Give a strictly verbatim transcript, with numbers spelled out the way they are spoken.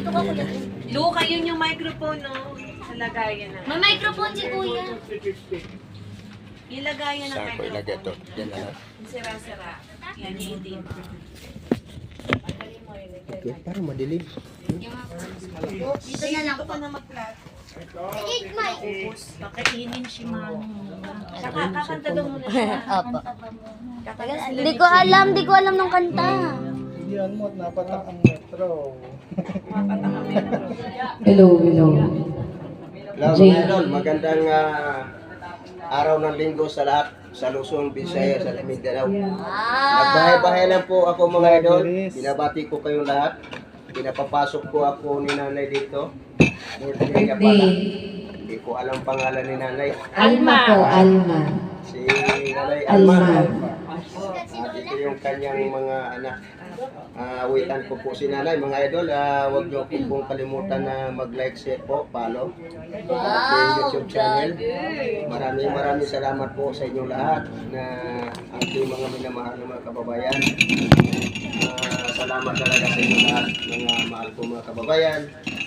Dito ka kuya. Luka, yun yung microphone, no? Sa lagayan na. May microphone si kuya. Yung lagayan ng Saan ko ilagay ito? microphone. Yan na lang. Yung sira-sira. Yan, yung itim. Okay, parang madilim. Dito na lang Dito po. ka na mag-flat. Eat my. Kakainin si Manu. Saka kakanta daw muna siya. Opo. Hindi ko alam, hindi ko alam ng kanta. Hindi yan mo, napatak ang metro. Hello, hello. Hello mga idol, magandang ah, araw ng linggo sa lahat sa Luzon, Visayas at Mindanao. Nagbahay-bahay lang po ako mga idol. Binabati ko kayong lahat. Pinapapasok ko ako ni nanay dito. Birthday niya pala. Hindi ko alam pangalan ni nanay. Alma po, Alma. Si nanay Alma. Alma. Ah, dito yung kanyang mga anak. Ah, awitan ko po si nanay. Mga idol, ah, huwag niyo po pong kalimutan na mag-like, share po, follow. Wow, YouTube channel. Maraming maraming salamat po sa inyo lahat na ating mga minamahal ng mga kababayan. Ah, salamat talaga sa inyo lahat, mga mahal ko mga kababayan.